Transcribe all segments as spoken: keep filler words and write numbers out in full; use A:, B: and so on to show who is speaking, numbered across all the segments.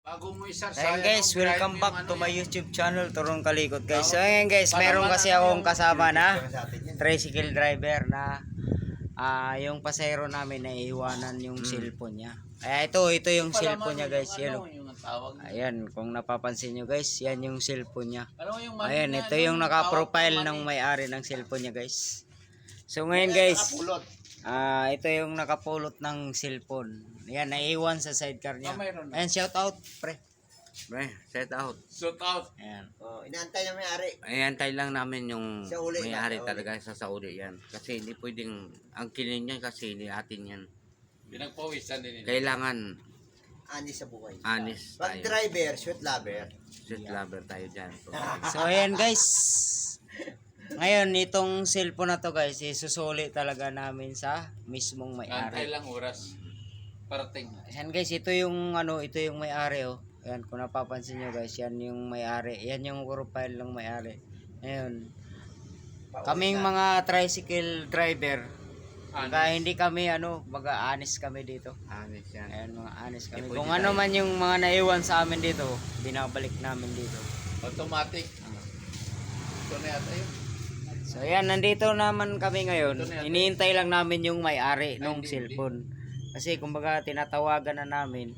A: Ayan guys, welcome back to my YouTube channel, Turong Kalikot guys. So ayan guys, meron kasi akong kasama na tricycle driver na uh, yung pasahero namin na iiwanan yung hmm. cellphone niya. Ay, ito, ito yung cellphone niya guys. Yan, ayan, kung napapansin nyo guys, yan yung cellphone niya. Ayan, ito yung naka-profile ng may-ari ng cellphone niya guys. So ngayon guys, uh, ito yung nakapulot ng cellphone. Yan, naiwan sa sidecar niya. Ayan, shout out, pre.
B: Pre, shout out.
A: Shout out.
B: Ayan.
C: Oh, inaantay na may-ari.
B: Inaantay lang namin yung may-ari
C: na,
B: talaga sa Saudi yan. Kasi hindi pwedeng, ang kilin niya kasi hindi atin yan.
A: Pinagpawisan din.
B: Kailangan
C: anis sa buhay.
B: Anis tayo.
C: Pag driver, sweet lover.
B: Sweet lover tayo dyan.
A: So ayan guys. Ngayon, itong cellphone na to guys, isusuli talaga namin sa mismong may-ari.
D: Antay lang oras. Parating.
A: Ayan guys, ito yung ano, ito yung may-ari oh. Ayan, kung napapansin nyo guys, yan yung may-ari. Yan yung profile ng may-ari. Ngayon, kaming mga tricycle driver, kaya hindi kami ano, mag-aanis kami dito.
B: Anis yan.
A: Ayan, mga anis kami. Kung ano man yung mga naiwan sa amin dito, binabalik namin dito.
D: Automatic. Ito na yata yun.
A: So ayan, nandito naman kami ngayon. Iniintay lang namin yung may-ari ng cellphone. Kasi kumbaga tinatawagan na namin.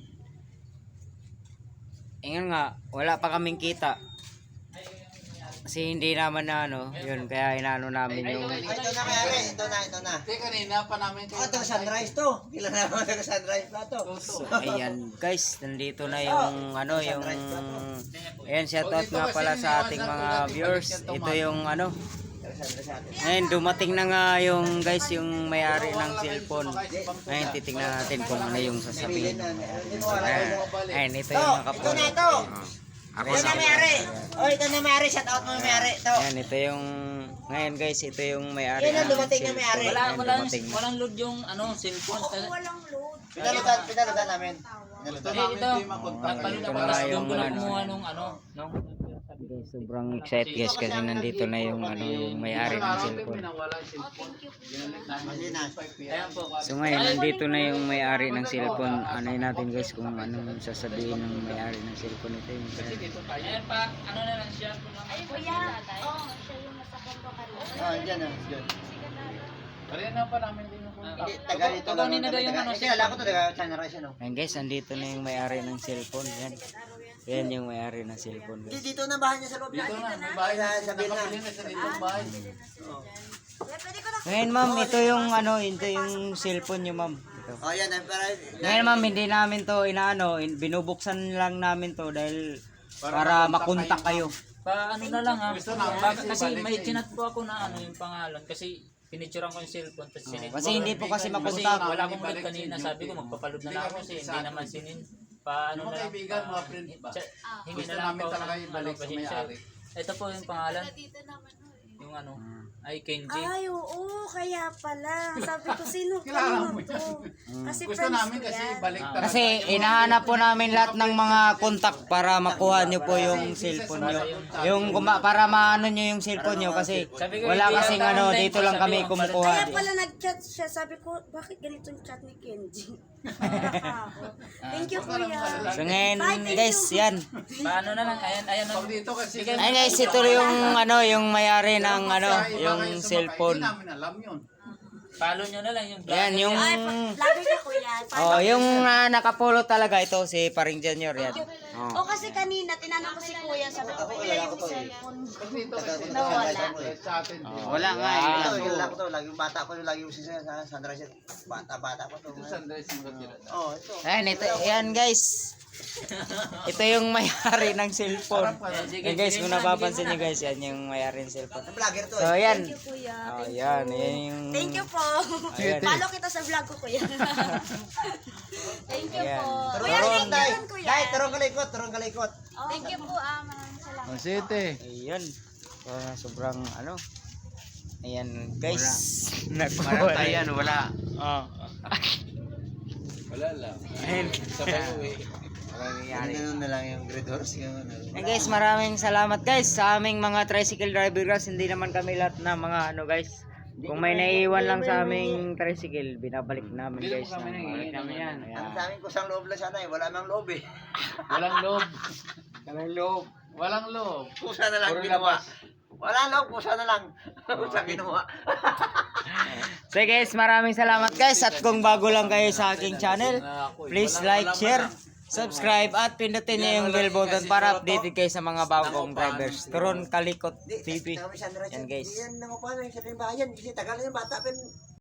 A: Ingan nga, wala pa kaming kita. Kasi hindi naman na ano, yun, kaya inaano namin yung...
C: Ito na may-ari, ito na, ito na.
D: Hindi, kanina pa namin.
C: Oh, ito sunrise to. Kailan naman ito sunrise na to.
A: So ayan guys, nandito na yung ano, yung... Ayan, shoutout nga pala sa ating mga viewers. Ito yung ano... Ngayon, dumating na nga yung guys, yung may-ari ng cellphone. Ngayon, titingnan natin kung ano yung sasabihin. Ayan, ayan ito yung nakapulot.
C: Ito na ito. Ito na may-ari. Oh, ito na may-ari. Shout out mo may-ari. Ito.
A: Ayan, ito yung... Ngayon guys, ito yung may-ari
C: Yan
A: ng
C: ang dumating na may-ari.
E: Wala, walang, walang load yung ano, cellphone.
F: Oo, walang load.
C: Pinalutan, pinalutan namin.
D: Gusto
E: Eh,
D: namin
E: ito,
D: di makontak.
E: nagpalutan
A: ito
E: ko
A: na
E: lang
A: yung
E: yung ko lang
A: ano.
E: kumuha nung ano, nung
A: Guys, sobrang excited guys kasi nandito na yung ano, yung may-ari ng cellphone.
D: Pinawala yung cellphone. Binalik namin.
E: ayan po.
A: So ngayon, nandito na yung may-ari ng cellphone. Anay natin guys kung anong sasabihin ng may-ari ng cellphone ito. Yung
E: Ayan pa, ano na lang siya.
F: Ay, kuya. Oo, siya yung nasa kondo ka rin.
C: Oh, dyan na. Dyan.
D: Kanina pa namin din yung kontak.
C: Hindi, taga dito lang.
E: Kukunin na daw yung ano,
C: Kilala ko to, taga sunrise ano.
A: Ayan guys, nandito na yung may-ari ng cellphone. Yan. Yan yung may-ari ng cellphone
C: Hindi,
A: guys.
C: dito na bahay niya sa loob.
D: Dito na, may bahay na.
C: Sabihin na.
D: Nakapili na sa ditong bahay.
A: Ngayon ma'am, ito yung ano, ito yung cellphone nyo ma'am. Ito.
C: Oh, yan. Para,
A: Ngayon ma'am, hindi namin to inaano, in- binubuksan lang namin to dahil para makontak kayo.
E: Pa ano na lang ha.
D: Gusto namin
E: Bakit
D: kasi
E: kasi
D: balik
E: may
D: eh.
E: chinat po ako na ano yung pangalan kasi pinicturean ko yung cellphone tapos sinit.
A: Kasi hindi po kasi
E: Kasi
A: makontak.
E: wala akong load kanina, sabi ko magpapaload na lang ako kasi hindi naman sinin. Pa ano
D: Mga
E: na lang.
D: kaibigan,
E: pa-
D: mga friend ba?
E: Siya- Hingi
D: Gusto
E: na lang
D: namin
E: ako
D: talaga
E: ng
D: ibalik
E: ano,
D: sa
E: pasensya.
D: may-ari.
E: Ito po yung pangalan,
F: Dito naman, oh, eh.
E: yung ano, ay Kenji.
F: Ay, oo, kaya pala. Sabi ko, sino
D: Kilala
F: kanino
D: mo
F: to? Kasi
D: Gusto
F: friends
D: namin
F: ko
D: kasi
F: yan.
D: balik talaga.
A: Kasi inahanap po namin lahat ng mga kontak para makuha nyo po yung cellphone nyo. Yung kuma- para maano nyo yung cellphone nyo kasi wala kasing ano, dito lang kami kumukuha.
F: Kaya pala nag-chat siya. Sabi ko, bakit ganito yung chat ni Kenji? Thank you, kuya.
A: So ngayon guys, yan.
E: Paano na lang, ayan, ayan.
D: Pag dito kasi.
A: Ay guys, ito yung ano, yung may-ari ng ano, yung cellphone.
D: Hindi namin alam yun.
E: Follow nyo na lang yung vlog.
A: Yan yung
F: Ay, lagi ka, kuya.
A: oh, yung uh, nakapulot talaga ito si Paring Junior yan.
F: O kasi kanina, tinanong ko si kuya. Sabi ko, kuya yung cellphone.
D: Pag dito kasi.
F: Nawala.
D: Sa atin.
A: Oh, wala nga
C: Ito,
A: eh.
C: kilala ko to. Lagi yung bata ko, lagi yung sisa sa sunrise. Bata-bata ko to.
D: Ito sunrise mo tira.
C: Oh, ito.
A: Ayan, ito, yan guys. Ito yung may-ari ng cellphone. Yan guys, kung napapansin nyo guys, yan yung may-ari ng cellphone.
C: Vlogger to
A: So
C: eh.
A: yan.
F: Thank you, kuya.
A: Oh, yan, yan yung...
F: Thank you po.
A: Ayan.
F: Follow kita sa vlog ko, kuya. Thank you
A: Ayan.
F: po.
C: Turong
F: Kuya,
C: kalikot,
F: thank
C: Day.
F: you, kuya.
C: Day, turong kalikot, turong kalikot.
F: Thank you po, ah. Maraming salamat.
D: City.
A: Ayan. Uh, sobrang ano. Ayan guys.
B: Marang tayo yan, wala.
A: Oh.
D: Wala lang.
A: Ayan.
D: Sabay uwi.
C: Ano na lang yung grade horse yung ano.
A: Ayan guys, maraming salamat guys sa aming mga tricycle driver guys. Hindi naman kami lahat na mga ano guys. Kung may naiiwan lang sa aming tricycle, binabalik namin guys.
D: Bili mo kami
A: ng-
D: ng iingat namin yan.
C: Ang sa amin kusang loob lang sana eh. Wala mang loob eh.
D: Walang loob.
C: Walang loob.
D: Walang loob.
C: Kusa na lang
D: Puro
C: ginawa.
D: labas.
C: Wala loob, kusa na lang. Kusa ginawa.
A: So guys, maraming salamat guys. At kung bago lang kayo sa aking channel, please like, share, subscribe at pindutin niyo yung bell button para updated kayo sa mga bagong drivers. Turon Kalikot T V. Yan guys.
C: Yan nang upahan, yung sa bayan. Kasi tagal na yung bata.